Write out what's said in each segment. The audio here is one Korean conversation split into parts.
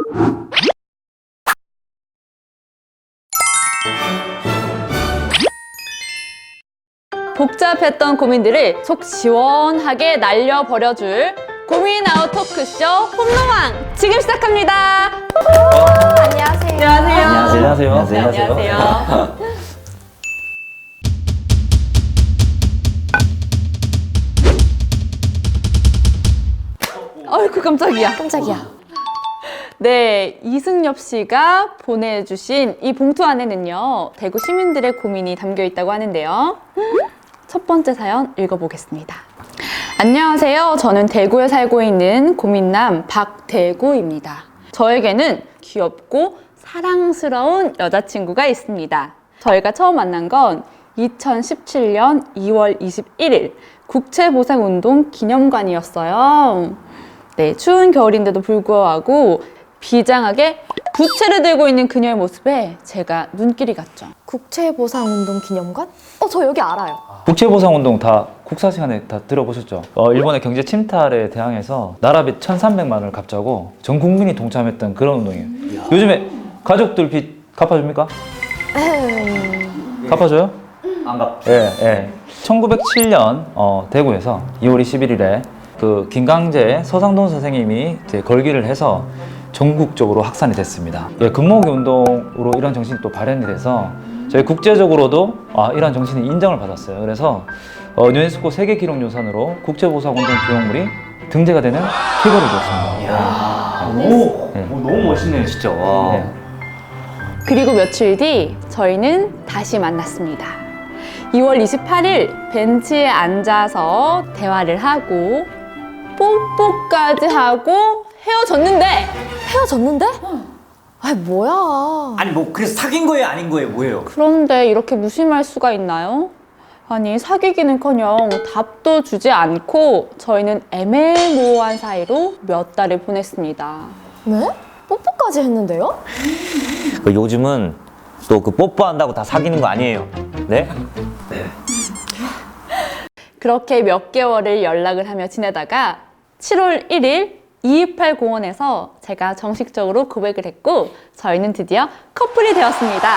복잡했던 고민들을 속 시원하게 날려버려줄 고민 아웃 토크쇼 홈로망 지금 시작합니다. 안녕하세요. 안녕하세요. 안녕하세요. 아이고 깜짝이야. 깜짝이야. 네, 이승엽 씨가 보내주신 이 봉투 안에는요, 대구 시민들의 고민이 담겨 있다고 하는데요. 첫 번째 사연 읽어보겠습니다. 안녕하세요. 저는 대구에 살고 있는 고민남 박대구입니다. 저에게는 귀엽고 사랑스러운 여자친구가 있습니다. 저희가 처음 만난 건 2017년 2월 21일 국채보상운동 기념관이었어요. 네, 추운 겨울인데도 불구하고 비장하게 부채를 들고 있는 그녀의 모습에 제가 눈길이 갔죠. 국채보상운동 기념관? 저 여기 알아요. 국채보상운동 다 국사 시간에 다 들어보셨죠? 일본의 경제 침탈에 대항해서 나라빚 1,300만 원을 갚자고 전 국민이 동참했던 그런 운동이에요. 요즘에 가족들 빚 갚아줍니까? 갚아줘요? 안 갚죠. 예. 1907년 대구에서 2월 21일에 그 김강재 서상돈 선생님이 이제 걸기를 해서 전국적으로 확산이 됐습니다. 예, 금모으기 운동으로 이런 정신이 또 발현이 돼서 저희 국제적으로도 이런 정신이 인정을 받았어요. 그래서 유네스코 세계기록유산으로 국제보상운동 기록물이 등재가 되는 쾌거를 줬습니다. 너무 멋있네요, 진짜. 와. 네. 그리고 며칠 뒤 저희는 다시 만났습니다. 2월 28일 벤치에 앉아서 대화를 하고 뽀뽀까지 하고 헤어졌는데 헤어졌는데? 아 뭐야. 아니 뭐 그래서 사귄 거예요, 아닌 거예요, 뭐예요? 그런데 이렇게 무심할 수가 있나요? 아니 사귀기는커녕 답도 주지 않고 저희는 애매모호한 사이로 몇 달을 보냈습니다. 네? 뽀뽀까지 했는데요? 요즘은 또 그 뽀뽀한다고 다 사귀는 거 아니에요. 네? 그렇게 몇 개월을 연락을 하며 지내다가 7월 1일 228 공원에서 제가 정식적으로 고백을 했고 저희는 드디어 커플이 되었습니다.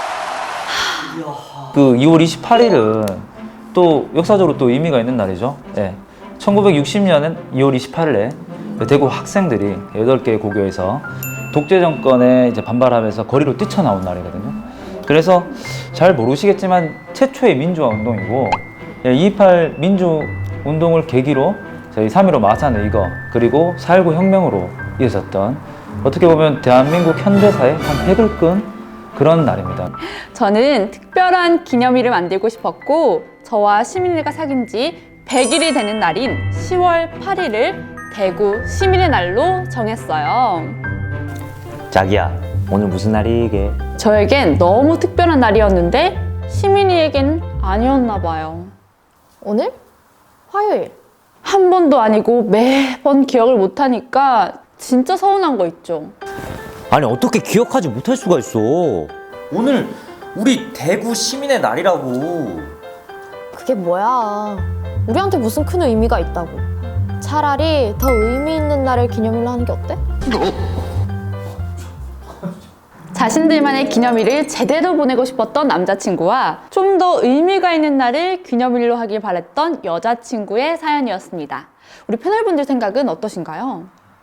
그 2월 28일은 또 역사적으로 또 의미가 있는 날이죠. 예. 1960년엔 2월 28일에 대구 학생들이 8개의 고교에서 독재 정권에 이제 반발하면서 거리로 뛰쳐나온 날이거든요. 그래서 잘 모르시겠지만 최초의 민주화 운동이고 228 민주 운동을 계기로 저희 3.15 마산의거 그리고 4.19 혁명으로 이어졌던 어떻게 보면 대한민국 현대사의 한 획을 끈 그런 날입니다. 저는 특별한 기념일을 만들고 싶었고 저와 시민이가 사귄 지 100일이 되는 날인 10월 8일을 대구 시민의 날로 정했어요. 자기야, 오늘 무슨 날이게? 저에겐 너무 특별한 날이었는데 시민이에겐 아니었나 봐요. 오늘? 화요일. 한 번도 아니고 매번 기억을 못하니까 진짜 서운한 거 있죠. 아니 어떻게 기억하지 못할 수가 있어? 오늘 우리 대구 시민의 날이라고. 그게 뭐야. 우리한테 무슨 큰 의미가 있다고. 차라리 더 의미 있는 날을 기념일로 하는 게 어때? 자신들만의 기념일을 제대로 보내고 싶었던 남자친구와 좀 더 의미가 있는 날을 기념일로 하길 바랬던 여자친구의 사연이었습니다. 우리 패널분들 생각은 어떠신가요?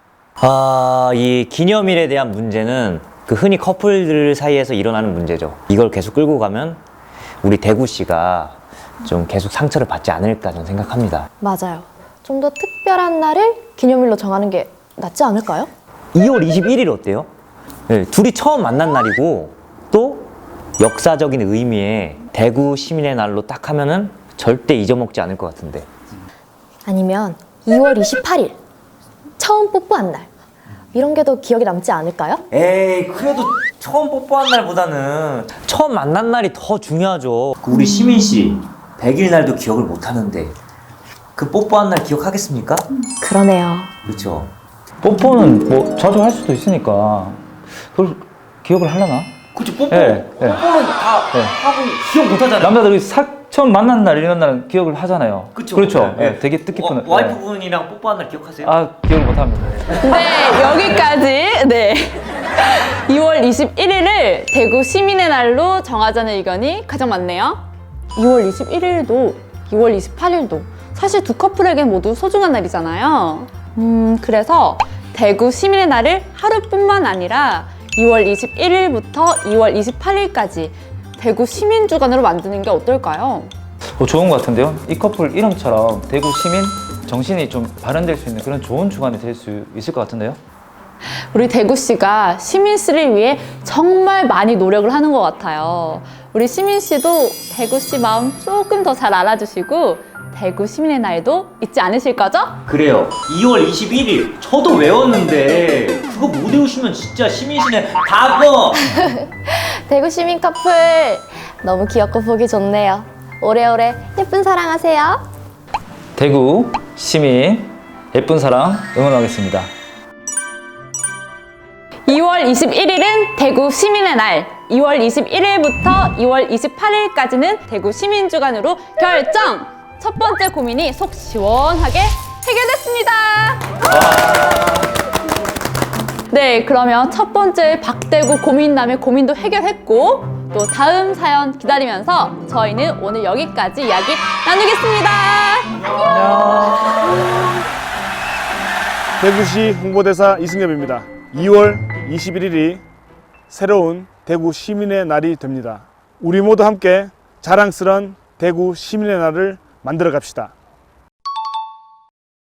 이 기념일에 대한 문제는 그 흔히 커플들 사이에서 일어나는 문제죠. 이걸 계속 끌고 가면 우리 대구시가 좀 계속 상처를 받지 않을까 저는 생각합니다. 맞아요. 좀 더 특별한 날을 기념일로 정하는 게 낫지 않을까요? 2월 21일 어때요? 네, 둘이 처음 만난 날이고 또 역사적인 의미의 대구 시민의 날로 딱 하면은 절대 잊어먹지 않을 것 같은데. 아니면 2월 28일 처음 뽀뽀한 날. 이런 게 더 기억에 남지 않을까요? 에이, 그래도 처음 뽀뽀한 날보다는 처음 만난 날이 더 중요하죠. 그 우리 시민 씨 100일 날도 기억을 못 하는데 그 뽀뽀한 날 기억하겠습니까? 그러네요. 그렇죠. 뽀뽀는 뭐 자주 할 수도 있으니까 그걸 기억을 하려나? 그렇죠. 뽀뽀. 예, 예. 뽀뽀는 다 예. 하고 기억 못 하잖아요. 남자들이 처음 만난 날 이런 날은 기억을 하잖아요. 그쵸. 그렇죠. 네. 예, 되게 뜻깊은. 예. 와이프분이랑 뽀뽀한 날 기억하세요? 아, 기억을 못 합니다. 네, 여기까지. 네. 2월 21일을 대구 시민의 날로 정하자는 의견이 가장 많네요. 2월 21일도 2월 28일도 사실 두 커플에겐 모두 소중한 날이잖아요. 그래서 대구 시민의 날을 하루뿐만 아니라 2월 21일부터 2월 28일까지 대구 시민 주간으로 만드는 게 어떨까요? 좋은 것 같은데요. 이 커플 이름처럼 대구 시민 정신이 좀 발현될 수 있는 그런 좋은 주간이 될 수 있을 것 같은데요. 우리 대구시가 시민씨를 위해 정말 많이 노력을 하는 것 같아요. 우리 시민씨도 대구시 마음 조금 더 잘 알아주시고 대구 시민의 날도 잊지 않으실 거죠? 그래요. 2월 21일 저도 외웠는데 그거 못 외우시면 진짜 시민시는 바보. 대구 시민 커플 너무 귀엽고 보기 좋네요. 오래오래 예쁜 사랑하세요. 대구 시민 예쁜 사랑 응원하겠습니다. 2월 21일은 대구 시민의 날, 2월 21일부터 2월 28일까지는 대구 시민주간으로 결정! 첫 번째 고민이 속 시원하게 해결됐습니다! 네, 그러면 첫 번째 박대구 고민남의 고민도 해결했고 또 다음 사연 기다리면서 저희는 오늘 여기까지 이야기 나누겠습니다. 대구시 홍보대사 이승엽입니다. 2월 21일이 새로운 대구 시민의 날이 됩니다. 우리 모두 함께 자랑스런 대구 시민의 날을 만들어 갑시다.